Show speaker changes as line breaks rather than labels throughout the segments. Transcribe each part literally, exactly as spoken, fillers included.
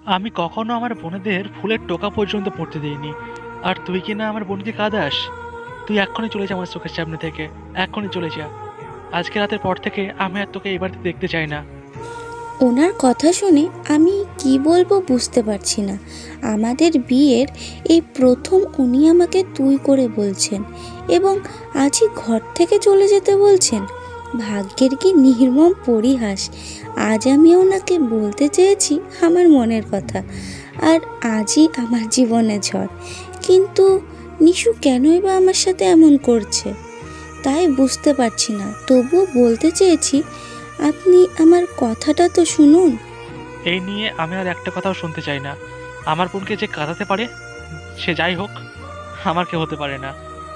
আমি কখনো আমার বোনেদের ফুলের টোকা পর্যন্ত পড়তে দিইনি, আর তুই কি না আমার বোনকে কাঁদাস? তুই এক্ষুনি চলে যা আমার চোখের সামনে থেকে, এক্ষুনি চলে যা। আজকে রাতের পর থেকে আমি আর তোকে এই বাড়িতে দেখতে চাই না।
ওনার কথা শুনে আমি কি বলবো বুঝতে পারছি না। আমাদের বিয়ের এই প্রথম উনি আমাকে তুই করে বলছেন এবং আজই ঘর থেকে চলে যেতে বলছেন। ভাগ্যের কি নির্মম পরিহাস! আজ আমি ওনাকে বলতে চেয়েছি আমার মনের কথা, আর আজই আমার জীবনে ঝড়। কিন্তু নিশু কেনই বা আমার সাথে এমন করছে তাই বুঝতে পারছি না। তবুও বলতে চেয়েছি, আপনি আমার কথাটা তো শুনুন।
এই নিয়ে আমি আর একটা কথাও শুনতে চাই না। আমার বোনকে যে কাঁদাতে পারে, সে যাই হোক, আমার কেউ হতে পারে না।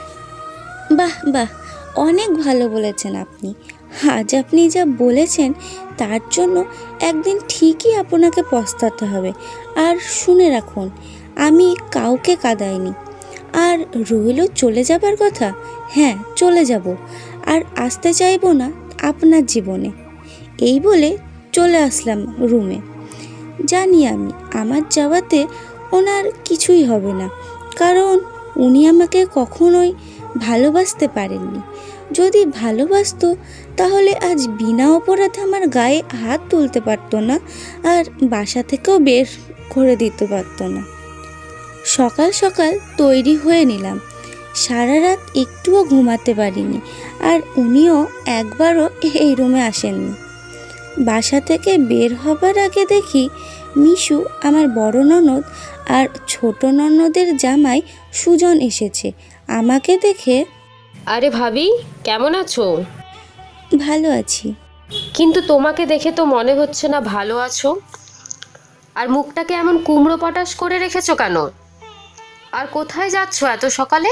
বাহ বাহ, অনেক ভালো বলেছেন আপনি। আজ আপনি যা বলেছেন তার জন্য একদিন ঠিকই আপনাকে পস্তাতে হবে। আর শুনে রাখুন, আমি কাউকে কাঁদাইনি। আর রইল চলে যাবার কথা, হ্যাঁ চলে যাব, আর আসতে চাইবো না আপনার জীবনে। এই বলে চলে আসলাম রুমে। জানি আমি আমার যাওয়াতে ওনার কিছুই হবে না, কারণ উনি আমাকে কখনোই ভালোবাসতে পারেননি। যদি ভালোবাসতো তাহলে আজ বিনা অপরাধে আমার গায়ে হাত তুলতে পারতো না, আর বাসা থেকেও বের করে দিতে পারতো না। সকাল সকাল তৈরি হয়ে নিলাম। সারা রাত একটুও ঘুমাতে পারিনি, আর উনিও একবারও এই রুমে আসেননি। বাসা থেকে বের হবার আগে দেখি মিশু, আমার বড় ননদ আর ছোট ননদের জামাই সুজন এসেছে। আমাকে দেখে,
আরে ভাবি, কেমন আছো?
ভালো আছি।
কিন্তু তোমাকে দেখে তো মনে হচ্ছে না ভালো আছো। আর মুখটাকে এমন কুমড়ো পটাশ করে রেখেছো কেন? আর কোথায় যাচ্ছো এত সকালে?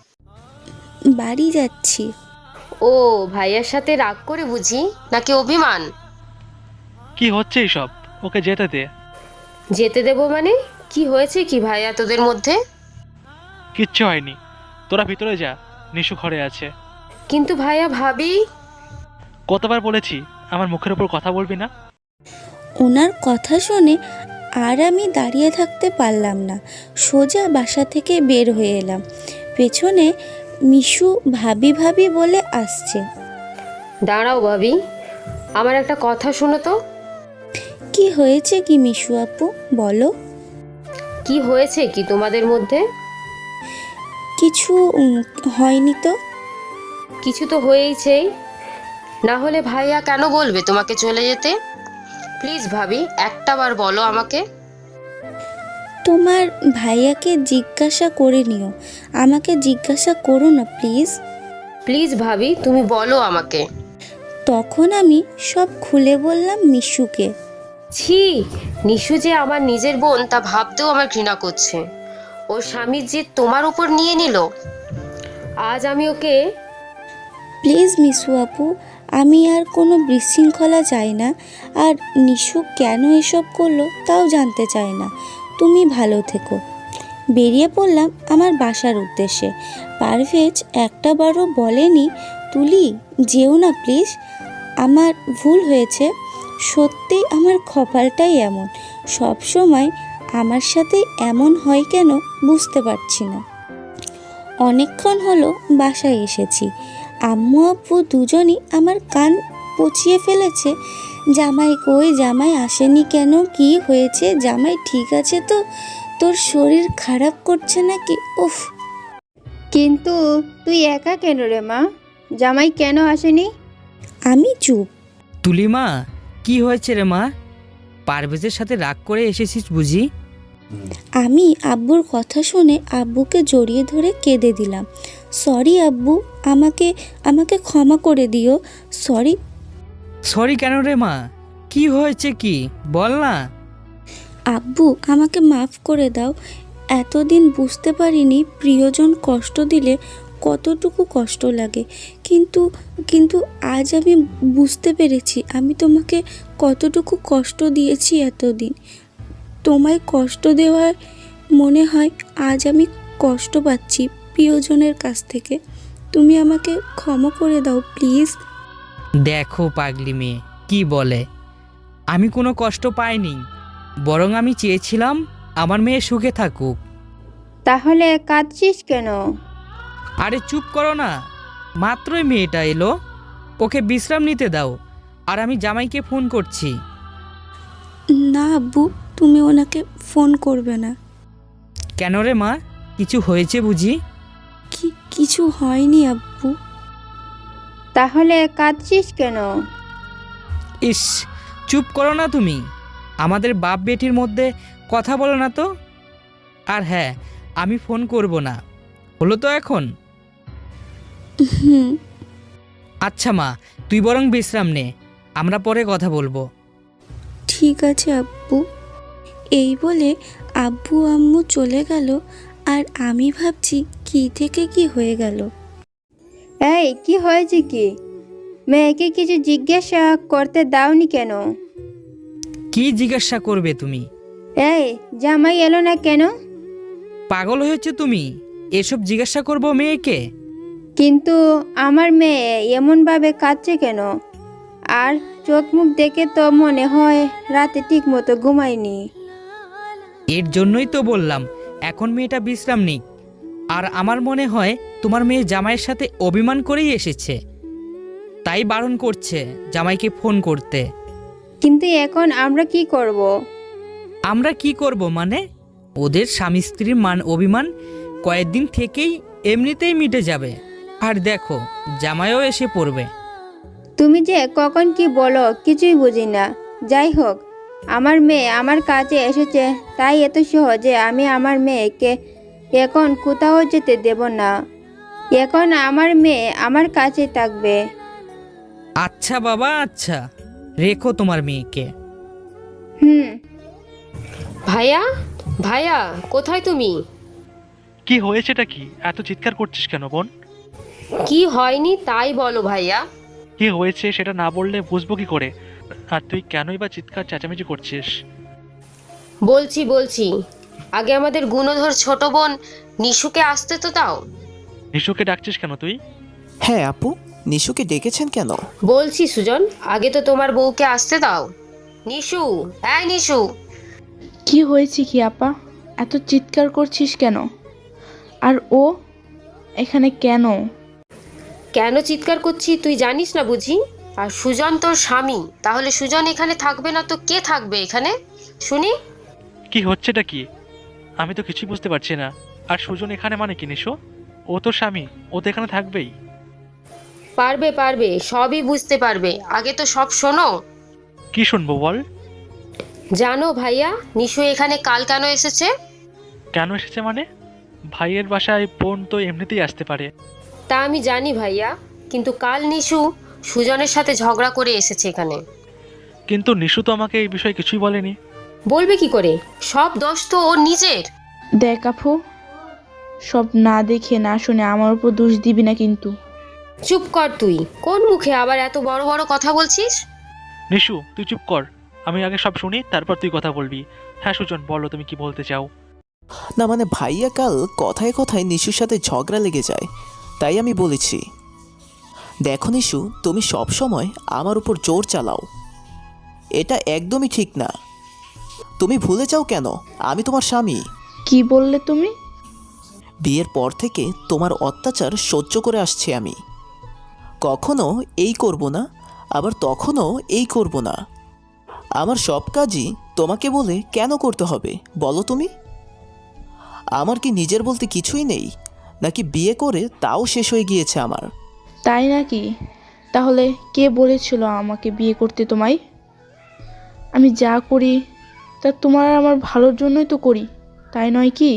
বাড়ি যাচ্ছি।
ও, ভাইয়ার সাথে রাগ করে বুঝি, নাকি অভিমান?
কি হচ্ছে এইসব? ওকে যেতে দে।
যেতে দেবো মানে? কি হয়েছে কি ভাইয়া তোদের মধ্যে?
কিচ্ছু হয়নি, তোরা ভিতরে যা, নিশু ঘরে আছে।
কিন্তু ভাইয়া ভাবি।
কতবার বলেছি আমার মুখের উপর কথা বলবি না?
ওনার কথা শুনে আর আমি দাঁড়িয়ে থাকতে পারলাম না, সোজা বাসা থেকে বের হয়ে এলাম। পেছনে মিশু ভাবি ভাবি বলে আসছে।
দাঁড়াও ভাবি, আমার একটা কথা শোনো তো।
কি হয়েছে কি মিশু আপু, বলো।
কি হয়েছে কি তোমাদের মধ্যে?
কিছু উম, হয়নি তো।
কিছু তো হয়েইছেই, না হলে ভাইয়া কেন বলবে তোমাকে চলে যেতে? প্লিজ ভাবি, একটা বার বলো আমাকে।
তোমার ভাইয়াকে জিজ্ঞাসা করে নিও, আমাকে জিজ্ঞাসা করো না প্লিজ।
প্লিজ ভাবি, তুমি বলো আমাকে।
তখন আমি সব খুলে বললাম মিশুকে।
ছি, নিশু যে আমার নিজের বোন তা ভাবতেও আমার ঘৃণা করছে। ওর স্বামী যে তোমার উপর নিয়ে নিল, আজ আমি ওকে।
প্লিজ মিশু আপু, আমি আর কোনো বিশৃঙ্খলা চাই না, আর নিশু কেন এসব করলো তাও জানতে চাই না। তুমি ভালো থেকো। বেরিয়ে পড়লাম আমার বাসার উদ্দেশ্যে। পারভেজ একটা বারও বলেনি, তুলি যেও না প্লিজ, আমার ভুল হয়েছে। সত্যি আমার কপালটাই এমন, সব সময় আমার সাথে এমন হয় কেন বুঝতে পারছি না। অনেকক্ষণ হলো বাসায় এসেছি। আম্মু আব্বু দুজনই আমার কান পচিয়ে ফেলেছে। জামাই কই, জামাই আসেনি কেন, কি হয়েছে, জামাই ঠিক আছে তো, তোর শরীর খারাপ করছে নাকি? উফ।
কিন্তু তুই একা কেন রে মা? জামাই কেন আসেনি?
আমি চুপ।
তুলিমা, কি হয়েছে রে মা? পারভেজের সাথে রাগ করে এসেছিস বুঝি?
আমি আব্বুর কথা শুনে আব্বুকে জড়িয়ে ধরে কেঁদে দিলাম। সরি আব্বু, আমাকে আমাকে ক্ষমা করে দিও। সরি।
সরি কেন রে মা? কি হয়েছে কি বল না।
আব্বু আমাকে মাফ করে দাও। এতদিন বুঝতে পারিনি প্রিয়জন কষ্ট দিলে কতটুকু কষ্ট লাগে, কিন্তু কিন্তু আজ আমি বুঝতে পেরেছি আমি তোমাকে কতটুকু কষ্ট দিয়েছি এতদিন। তোমায় কষ্ট দেওয়ার মনে হয় আজ আমি কষ্ট পাচ্ছি প্রিয়জনের কাছ থেকে। তুমি আমাকে ক্ষমা করে দাও প্লিজ।
দেখো পাগলি মেয়ে কি বলে, আমি কোনো কষ্ট পাইনি। বরং আমি চেয়েছিলাম আমার মেয়ে সুখে থাকুক।
তাহলে কাঁদছিস কেন?
আরে চুপ করো না, মাত্রই মেয়েটা এলো, ওকে বিশ্রাম নিতে দাও। আর আমি জামাইকে ফোন করছি।
না আব্বু, তুমি ওনাকে ফোন করবে না।
কেন রে মা, কিছু হয়েছে বুঝি?
কি কিছু হয়নি আব্বু।
তাহলে কাঁদছিস কেন?
ইস, চুপ করো না তুমি। আমাদের বাপ বেটির মধ্যে কথা বলো না তো। আর হ্যাঁ, আমি ফোন করব না, হলো তো এখন?
হুম।
আচ্ছা মা, তুই বরং বিশ্রাম নে, আমরা পরে কথা বলবো।
ঠিক আছে আব্বু। এই বলে আব্বু আম্মু চলে গেল। আর আমি ভাবছি কি থেকে কি হয়ে গেল।
এই কি হয়েছে কি? মেয়েকে কিছু জিজ্ঞাসা করতে দাওনি কেন?
কি জিজ্ঞাসা করবে তুমি?
এই জামাই এলো না কেন?
পাগল হয়েছে তুমি? এসব জিজ্ঞাসা করবো মেয়েকে?
কিন্তু আমার মেয়ে এমনভাবে কাঁদছে কেন? আর চোখ মুখ দেখে তো মনে হয় রাতে ঠিক মতো ঘুমায়নি।
এর জন্যই তো বললাম এখন মেয়েটা বিশ্রাম নিক। আর আমার মনে হয় তোমার মেয়ে জামাইয়ের সাথে অভিমান করেই এসেছে, তাই বারণ করছে জামাইকে ফোন করতে।
কিন্তু এখন আমরা কি করব?
আমরা কি করব মানে? ওদের স্বামী স্ত্রীর মান অভিমান কয়েকদিন থেকেই এমনিতেই মিটে যাবে। আর দেখো, জামাইও এসে পড়বে।
তুমি যে কখন কি বলো কিছুই বুঝি না। যাই হোক, আমার মেয়ে আমার কাছে এসেছে, তাই এত সহজে আমি আমার মেয়েকে এখন কোথাও যেতে দেব না। এখন আমার মেয়ে আমার কাছে থাকবে।
আচ্ছা বাবা, আচ্ছা, রেখো তোমার মেয়েকে।
হুম।
ভাইয়া, ভাইয়া, কোথায় তুমি?
কি হয়েছেটা কি? এত চিৎকার করছিস কেন বোন?
কি হয়নি তাই বলো ভাইয়া।
কি হয়েছে সেটা না বললে বুঝবো কি করে? আর তুই কেনই বা চিৎকার চেঁচামেচি করছিস?
বলছি বলছি আগে আমাদের গুণধর ছোট বোন নিশুকে আসতে তো দাও।
নিশুকে ডাকছিস কেন তুই?
হ্যাঁ আপু, নিশুকে ডেকেছেন কেন?
বলছি সুজন, আগে তো তোমার বউকে আসতে দাও। নিশু, হ্যাঁ নিশু।
কি হয়েছে কি আপা? এত চিৎকার করছিস কেন? আর ও এখানে কেন?
কেন চিৎকার করছি তুই জানিস না বুঝি? আর সুজন তোর স্বামী, তাহলে সুজন এখানে থাকবে না তো কে থাকবে এখানে শুনি?
কি হচ্ছেটা কি? আমি তো কিছুই বুঝতে পারছি না। আর সুজন এখানে মানে কি নিশো? ও তো স্বামী, ও তো এখানে থাকবেই।
পারবে পারবে, সবই বুঝতে পারবে, আগে তো সব শোনো।
কি শুনবো বল?
জানো ভাইয়া, নিশু এখানে কাল কেন এসেছে?
কেন এসেছে মানে? ভাইয়ের বাসায় বোন তো এমনিতেই আসতে পারে।
তা আমি জানি ভাইয়া, কিন্তু কাল নিশু সুজনের সাথে ঝগড়া করে এসেছে এখানে।
কিন্তু নিশু তো আমাকে এই বিষয়ে কিছুই বলেনি।
বলবে কি করে? সব দোষ তো ওর নিজের।
দেখ আপু, সব না দেখে না শুনে আমার উপর দোষ দিবি না কিন্তু।
চুপ কর তুই, কোন মুখে আবার এত বড় বড় কথা বলছিস?
নিশু তুই চুপ কর, আমি আগে সব শুনি তারপর তুই কথা বলবি। হ্যাঁ সুজন, বলো তুমি কি বলতে চাও।
না মানে ভাইয়া কাল কথায় কথায় নিশুর সাথে ঝগড়া লেগে যায়, তাই আমি বলেছি। দেখো নিশু, তুমি সব সময় আমার উপর জোর চালাও, এটা একদমই ঠিক না। তুমি ভুলে যাও কেন আমি তোমার স্বামী।
কি বললে তুমি?
বিয়ের পর থেকে তোমার অত্যাচার সহ্য করে আসছি আমি। কখনো এই করব না, আবার তখনও এই করব না। আমার সব কাজই তোমাকে বলে কেন করতে হবে বলো তুমি? আমার কি নিজের বলতে কিছুই নেই, নাকি বিয়ে করে তাও শেষ হয়ে গিয়েছে আমার?
তাই নাকি? তাহলে কে বলেছিল আমাকে বিয়ে করতে তোমায়? আমি যা করি তা তোমার আর আমার ভালোর জন্যই তো করি, তাই নয় কি?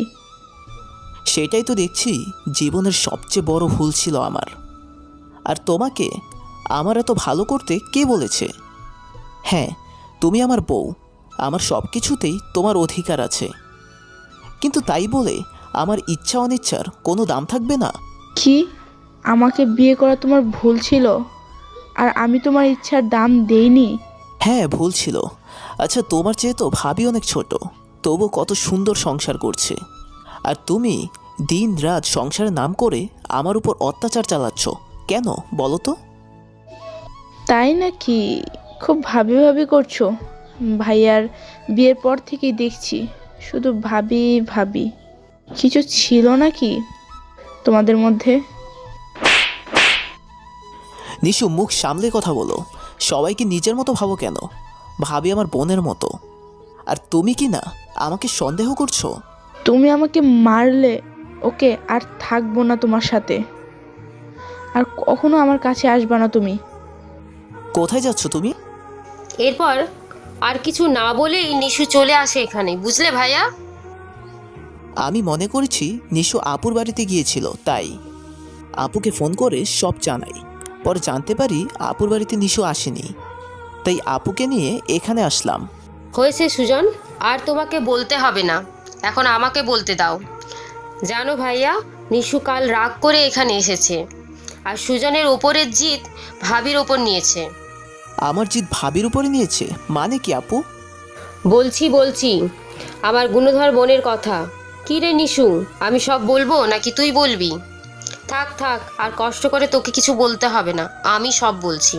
সেটাই তো দেখছি জীবনের সবচেয়ে বড় ভুল ছিল আমার। আর তোমাকে আমার এত ভালো করতে কে বলেছে? হ্যাঁ, তুমি আমার বউ, আমার সব কিছুতেই তোমার অধিকার আছে, কিন্তু তাই বলে আমার ইচ্ছা অনিচ্ছার কোনো দাম থাকবে না।
কি? আমাকে বিয়ে করা তোমার ভুল ছিল আর আমি তোমার ইচ্ছার দাম দেইনি?
হ্যাঁ ভুল ছিল। আচ্ছা তোমার চেয়ে তো ভাবি অনেক ছোট, তবু কত সুন্দর সংসার করছে, আর তুমি দিন রাত সংসারের নাম করে আমার উপর অত্যাচার চালাচ্ছ কেন বলো তো?
তাই নাকি? খুব ভাবি ভাবি করছো? ভাইয়ার বিয়ের পর থেকেই দেখছি শুধু ভাবি ভাবি। কিছু ছিল নাকি তোমাদের মধ্যে?
নিশু, মুখ সামলে কথা বলো। সবাইকে নিজের মতো ভাবো কেন? ভাবি আমার বোনের মতো। আর তুমি কি না আমাকে সন্দেহ করছো?
তুমি আমাকে মারলে ওকে, আর থাকবো না তোমার সাথে, আর কখনো আমার কাছে আসবা না তুমি।
কোথায় যাচ্ছ তুমি?
এরপর আর কিছু না বলেই নিশু চলে আসে এখানে, বুঝলে ভাইয়া?
আমি মনে করেছি নিশু আপুর বাড়িতে গিয়েছিল, তাই আপুকে ফোন করে সব জানাই। পরে জানতে পারি আপুর বাড়িতে নিশু আসেনি, তাই আপুকে নিয়ে এখানে আসলাম।
হয়েছে সুজন, আর তোমাকে বলতে হবে না, এখন আমাকে বলতে দাও। জানো ভাইয়া, নিশু কাল রাগ করে এখানে এসেছে, আর সুজনের ওপরের জিত ভাবির ওপর নিয়েছে।
আমার জিত ভাবির উপরে নিয়েছে মানে কি আপু?
বলছি বলছি আমার গুণধর বোনের কথা। কি রে নিশু, আমি সব বলবো নাকি তুই বলবি? থাক থাক, আর কষ্ট করে তোকে কিছু বলতে হবে না, আমি সব বলছি।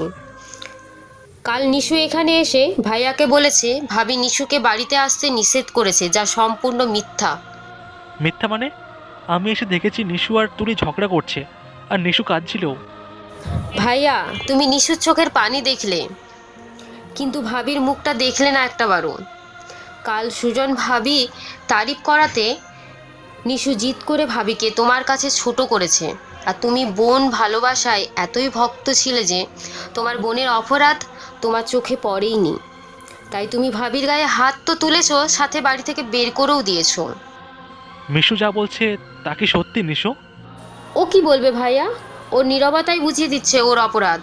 কাল নিশু এখানে এসে ভাইয়াকে বলেছে ভাবি নিশুকে বাড়িতে আসতে নিষেধ করেছে, যা সম্পূর্ণ মিথ্যা।
মিথ্যা মানে? আমি এসে দেখেছি নিশু আর তুলি ঝগড়া করছে, আর নিশু কাঁদছিল।
ভাইয়া, তুমি নিশুর চোখের পানি দেখলে, কিন্তু ভাবির মুখটা দেখলে না একটাবারও। কাল সুজন ভাবি তারিফ করাতে নিশু জিদ করে ভাবিকে তোমার কাছে ছোট করেছে, আর তুমি বোন ভালোবাসায় এতই ভক্ত ছিলে যে তোমার বোনের অপরাধ তোমার চোখে পড়েইনি। তাই তুমি ভাবির গায়ে হাত তো তুলেছো, সাথে বাড়ি থেকে বের করেও দিয়েছো।
মিশু যা বলছে তা কি সত্যি নিশু?
ও কি বলবে ভাইয়া? ওর নীরবতাই বুঝিয়ে দিচ্ছে ওর অপরাধ।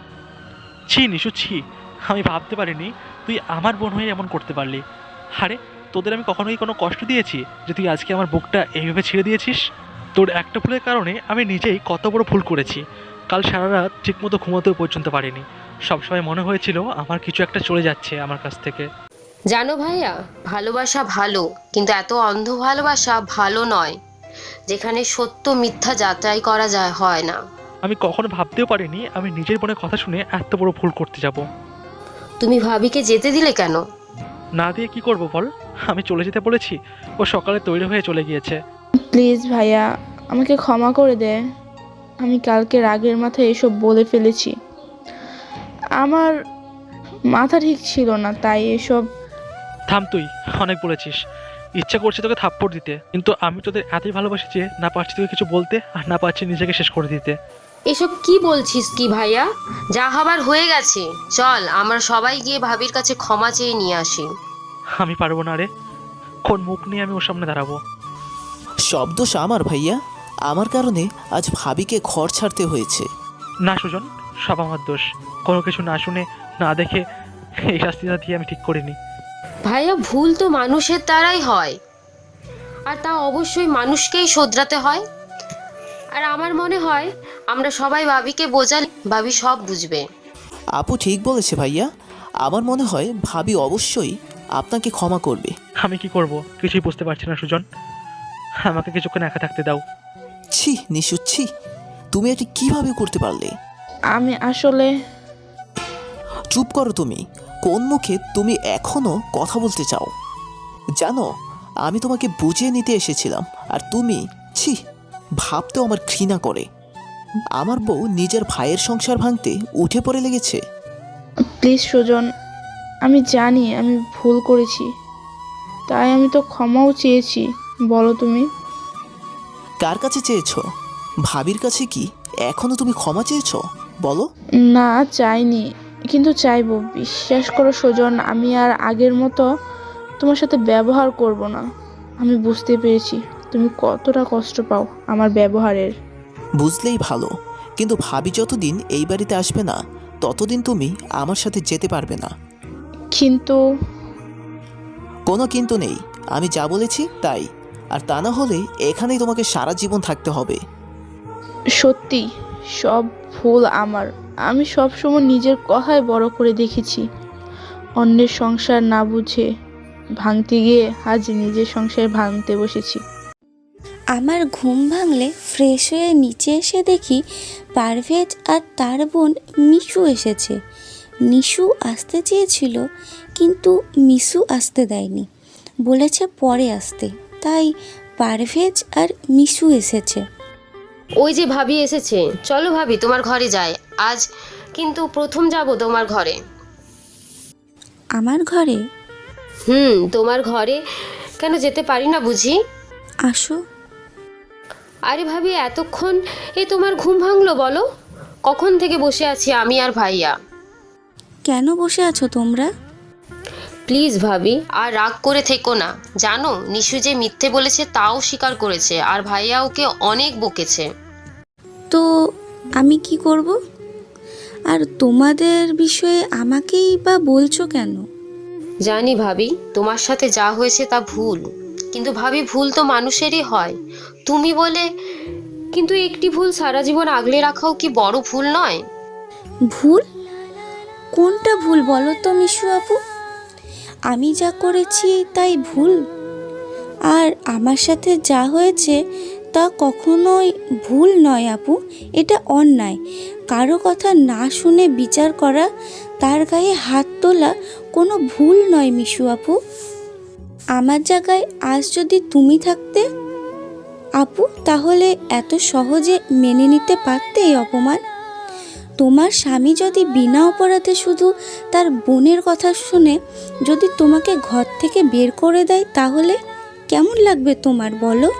ছি নিশু ছি, আমি ভাবতে পারিনি তুই আমার বোন হয়ে এমন করতে পারলি। আরে তোদের আমি কখনোই কোনো কষ্ট দিয়েছি যে তুই আজকে আমার বুকটা এইভাবে ছেড়ে দিয়েছিস? তোর একটা ভুলের কারণে আমি নিজেই কত বড় ভুল করেছি। কাল সারা রাত ঠিকমতো ঘুমোতেও পর্যন্ত পারিনি। সবসময় মনে হয়েছিল আমার কিছু একটা চলে যাচ্ছে আমার কাছ থেকে।
জানো ভাইয়া, ভালোবাসা ভালো, কিন্তু এত অন্ধ ভালোবাসা ভালো নয়, যেখানে সত্য মিথ্যা যাচাই করা যায় হয় না।
আমি কখনো ভাবতেও পারিনি আমি নিজের বোনের কথা শুনে এত বড় ভুল করতে যাব।
তুমি ভাবিকে যেতে দিলে কেন?
না দিয়ে কি করব বল? আমি চলে যেতে বলেছি, ও সকালে তৈরি হয়ে চলে গিয়েছে।
প্লিজ ভাইয়া, আমাকে ক্ষমা করে দে। আমি কালকে রাগের মাথায় এসব বলে ফেলেছি। আমার মাথা ঠিক ছিল না, তাই এসব।
থাম, তুই অনেক বলেছিস। ইচ্ছা করছে তোকে থাপ্পড় দিতে, কিন্তু আমি তোদের এতই ভালোবাসি যে না পারছি তোকে কিছু বলতে, আর না পারছি নিজেকে শেষ করে দিতে।
এসব কি বলছিস কি ভাইয়া? যা হবার হয়ে গেছে, চল আমরা সবাই গিয়ে ভাবির কাছে ক্ষমা চেয়ে নিয়ে আসি।
আমি পারবো না রে, কোন মুখ নিয়ে আমি ওর সামনে দাঁড়াবো?
সব দোষ আমার ভাইয়া। আমার কারণে আজ ভাবিকে ঘর ছাড়তে হয়েছে।
না সুজন, সব আমার দোষ। কোনো কিছু না শুনে না দেখে এই শাস্তিটা দিয়ে আমি ঠিক করিনি।
ভাইয়া, ভুল তো মানুষের দ্বারাই হয়, আর তা অবশ্যই মানুষকেই শোধরাতে হয়। আর আমার মনে হয় আমরা সবাই ভাবিকে বোঝালে ভাবি সব বুঝবে।
আপু ঠিক বলেছে ভাইয়া। আমার মনে হয় ভাবি অবশ্যই আপনাকে ক্ষমা করবে।
আমি কি করব কিছুই বুঝতে পারছি না সুজন, আমাকে কিছুক্ষণ একা থাকতে দাও।
ছি নিশু, ছি, তুমি এটি কিভাবে করতে পারলে?
আমি আসলে
চুপ করো তুমি। কোন মুখে তুমি এখনো কথা বলতে চাও? জানো, আমি তোমাকে বুঝিয়ে নিতে এসেছিলাম, আর তুমি ছি, ভাবতেও আমার ঘৃণা করে। আমার বউ নিজের ভাইয়ের সংসার ভাঙতে উঠে পড়ে লেগেছে।
প্লিজ সুজন, আমি জানি আমি ভুল করেছি, তাই আমি তো ক্ষমাও চেয়েছি। বলো তুমি।
কার কাছে চেয়েছো? ভাবির কাছে কি এখনো তুমি ক্ষমা চেয়েছো? বলো।
না, চাইনি, কিন্তু চাইবো। বিশ্বাস করো সুজন, আমি আর আগের মতো তোমার সাথে ব্যবহার করব না। আমি বুঝতে পেরেছি তুমি কতটা কষ্ট পাও আমার ব্যবহারের।
বুঝলেই ভালো, কিন্তু ভাবি যতদিন এই বাড়িতে আসবে না ততদিন তুমি আমার সাথে যেতে পারবে না।
কিন্তু
কোনো কিন্তু নেই, আমি যা বলেছি তাই। আর তা না হলে এখানেই তোমাকে সারা জীবন থাকতে হবে।
সত্যি সব ভুল আমার। আমি সবসময় নিজের কথায় বড় করে দেখেছি, অন্যের সংসার না বুঝে ভাঙতে গিয়ে আজ নিজের সংসার ভাঙতে বসেছি।
আমার ঘুম ভাঙলে ফ্রেশ হয়ে নিচে এসে দেখি পারভেজ আর তার বোন মিশু এসেছে। নিশু আসতে চেয়েছিল, কিন্তু মিশু আসতে দেয়নি, বলেছে পরে আসতে। তাই পারভেজ আর মিশু এসেছে।
ওই যে ভাবি এসেছে, চলো ভাবি তোমার ঘরে যাই। আজ কিন্তু প্রথম যাব তোমার ঘরে।
আমার ঘরে?
হুম, তোমার ঘরে কেন যেতে পারি না বুঝি?
আসো।
আরে ভাবি, এতক্ষণ এ তোমার ঘুম ভাঙলো বলো? কখন থেকে বসে আছি আমি আর ভাইয়া।
কেন বসে আছো তোমরা?
প্লিজ ভাবি, আর রাগ করে থেকো না। জানো নিশু যে মিথ্যে বলেছে তাও স্বীকার করেছে, আর ভাইয়া ওকে অনেক বকেছে।
তো আমি কি করব? আর তোমাদের বিষয়ে আমাকেই বা বলছো কেন?
জানি ভাবি, তোমার সাথে যা হয়েছে তা ভুল, কিন্তু ভাবি ভুল তো মানুষেরই হয়। তুমি বলে কিন্তু একটি ভুল সারা জীবন আগলে রাখাও কি বড় ভুল নয়?
ভুল? কোনটা ভুল বলো তো মিশু আপু? আমি যা করেছি তাই ভুল? আর আমার সাথে যা হয়েছে তা কখনোই ভুল নয় আপু, এটা অন্যায়। কারো কথা না শুনে বিচার করা, তার গায়ে হাত তোলা কোনো ভুল নয় মিশু আপু। আমার জায়গায় আজ যদি তুমি থাকতে আপু, তাহলে এত সহজে মেনে নিতে পারতে এই অপমান? তোমার স্বামী যদি বিনা অপরাধে শুধু তার বোনের কথা শুনে যদি তোমাকে ঘর থেকে বের করে দেয়, তাহলে কেমন লাগবে তোমার বলো?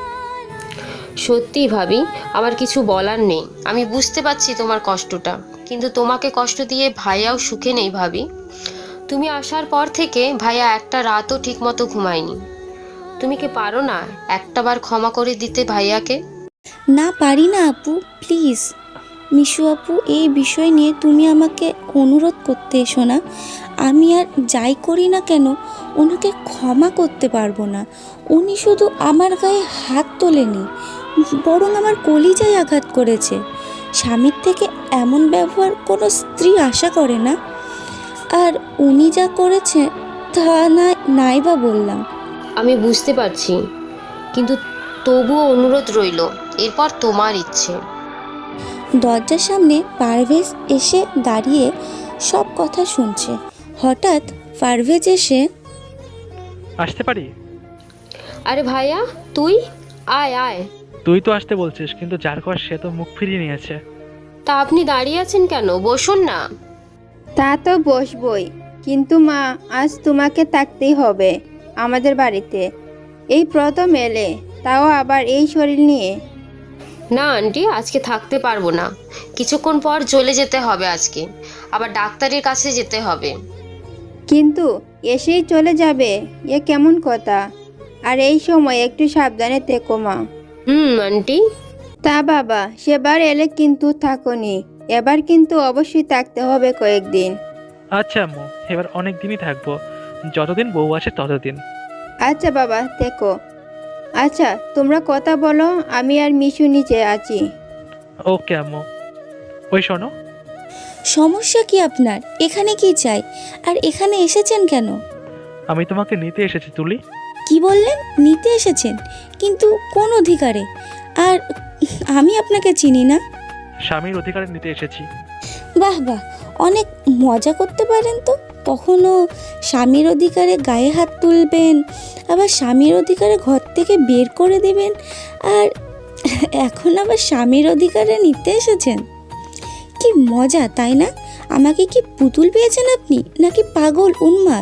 সত্যি ভাবি, আমার কিছু বলার নেই। আমি বুঝতে পারছি তোমার কষ্টটা, কিন্তু তোমাকে কষ্ট দিয়ে ভাইয়াও সুখে নেই ভাবি। তুমি আসার পর থেকে ভাইয়া একটা রাতও ঠিকমতো ঘুমায়নি। তুমি কি পারো না একটাবার ক্ষমা করে দিতে ভাইয়াকে?
না পারি না আপু, প্লিজ। মিশু আপু, এই বিষয় নিয়ে তুমি আমাকে অনুরোধ করতে এসো না। আমি আর যাই করি না কেন ওনাকে ক্ষমা করতে পারবো না। উনি শুধু আমার গায়ে হাত তোলেনি, বরং আমার কলিজায় আঘাত করেছে। স্বামীর থেকে এমন ব্যবহার কোনো স্ত্রী আশা করে না। আর উনি যা করেছে তা না নাই বা বললাম।
আমি বুঝতে পারছি, কিন্তু তবুও অনুরোধ রইল, এরপর তোমার ইচ্ছে।
দরজার সামনে পারভেজ এসে দাঁড়িয়ে সব কথা শুনছে। হঠাৎ পারভেজ এসে,
আসতে পারি?
আরে ভাইয়া, তুই আয় আয়।
তুই তো আসতে বলছিস, কিন্তু যার ঘর সে তো মুখ ফিরিয়ে নিয়েছে।
তা আপনি দাঁড়িয়ে আছেন কেন? বসুন না।
তা তো বসবই, কিন্তু মা, আজ তোমাকে থাকতেই হবে আমাদের বাড়িতে। এই প্রথম এলে, তাও আবার এই শরীর নিয়ে।
না আন্টি, আজকে থাকতে পারবো না। কিছুক্ষণ পর চলে যেতে হবে আজকে, আবার ডাক্তারের কাছে যেতে হবে।
কিন্তু এসেই চলে যাবে, এ কেমন কথা? আর এই সময় একটু সাবধানে থেকো মা।
হুম আন্টি।
তা বাবা, সেবার এলে কিন্তু থাকোনি, এবার কিন্তু অবশ্যই থাকতে হবে কয়েকদিন।
আচ্ছা আম্মু, এবার অনেক দিনই থাকবো, যতদিন বউ আছে ততদিন।
আচ্ছা বাবা, থেকো। আচ্ছা, তোমরা কথা বলো, আমি আর মিশু নিচে আছি।
ওকে আম্মু। ওই শোনো,
সমস্যা কি আপনার? এখানে কি চাই? আর এখানে এসেছেন কেন?
আমি তোমাকে নিতে এসেছি তুলি।
কি বললেন? নিতে এসেছেন? কিন্তু কোন অধিকারে? আর আমি আপনাকে চিনি না।
স্বামীর অধিকারে নিতে এসেছি।
বাহ বাহ, অনেক মজা করতে পারেন তো। কখনো স্বামীর অধিকারে গায়ে হাত তুলবেন, আবার স্বামীর অধিকারে ঘর থেকে বের করে দেবেন, আর এখন আবার স্বামীর অধিকারে নিতে এসেছেন। কি মজা, তাই না? আমাকে কি পুতুল পেয়েছেন আপনি, নাকি পাগল উন্মাদ?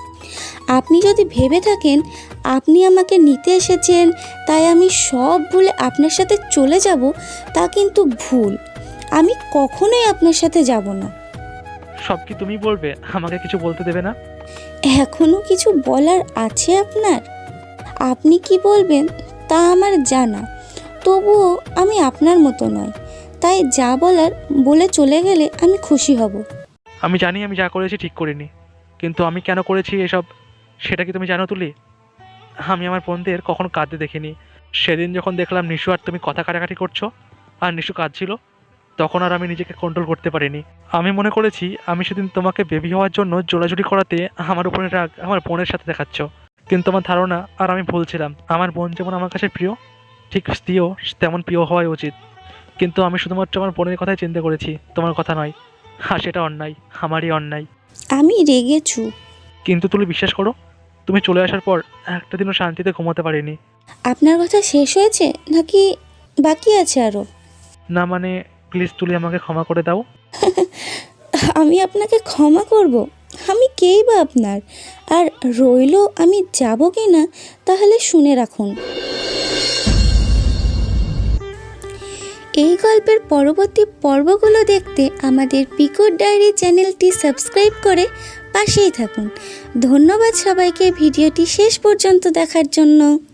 আপনি যদি ভেবে থাকেন আপনি আমাকে নিতে এসেছেন তাই আমি সব ভুলে আপনার সাথে চলে যাব, তা কিন্তু ভুল। আমি কখনোই আপনার সাথে যাব না।
সব কি তুমি বলবে? আমাকে কিছু বলতে দেবে না?
এখনো কিছু বলার আছে আপনার? আপনি কি বলবেন তা আমার জানা, তবুও আমি আপনার মতো নয়। তাই যা বলার বলে চলে গেলে আমি খুশি হব।
আমি জানি আমি যা করেছি ঠিক করিনি, কিন্তু আমি কেন করেছি এসব সেটা কি তুমি জানো তুলি? আমি আমার বোনদের কখনো কাঁদতে দেখিনি। সেদিন যখন দেখলাম নিশু আর তুমি কথা কাটাকাটি করছো আর নিশু কাঁদছিল, তখন আর আমি নিজেকে কন্ট্রোল করতে পারিনি। আমি মনে করেছি আমি সেদিন তোমাকে বেবি হওয়ার জন্য জোড়াজুড়ি করাতে আমার উপরে রাগ আমার বোনের সাথে দেখাচ্ছ, কিন্তু আমার ধারণা আর আমি ভুলছিলাম। আমার বোন যেমন আমার কাছে প্রিয়, ঠিক স্ত্রীও তেমন প্রিয় হওয়াই উচিত। কিন্তু আমি শুধুমাত্র আমার বোনের কথাই চিন্তা করেছি, তোমার কথা নয়। আর সেটা অন্যায়, আমারই অন্যায়।
আমি রেগে চুপ।
কিন্তু তুমি বিশ্বাস করো, তুমি চলে আসার পর একটা দিনও শান্তিতে ঘুমাতে পারিনি।
আপনার কথা শেষ হয়েছে নাকি বাকি আছে আরও?
না মানে, প্লিজ তুলি আমাকে ক্ষমা করে দাও।
আমি আপনাকে ক্ষমা করব? আমি কেই বা আপনার? আর রইল আমি যাব কি না, তাহলে শুনে রাখুন। এই গল্পের পরবর্তী পর্বগুলো দেখতে আমাদের পিকুর ডায়েরি চ্যানেলটি সাবস্ক্রাইব করে পাশেই থাকুন। ধন্যবাদ সবাইকে ভিডিওটি শেষ পর্যন্ত দেখার জন্য।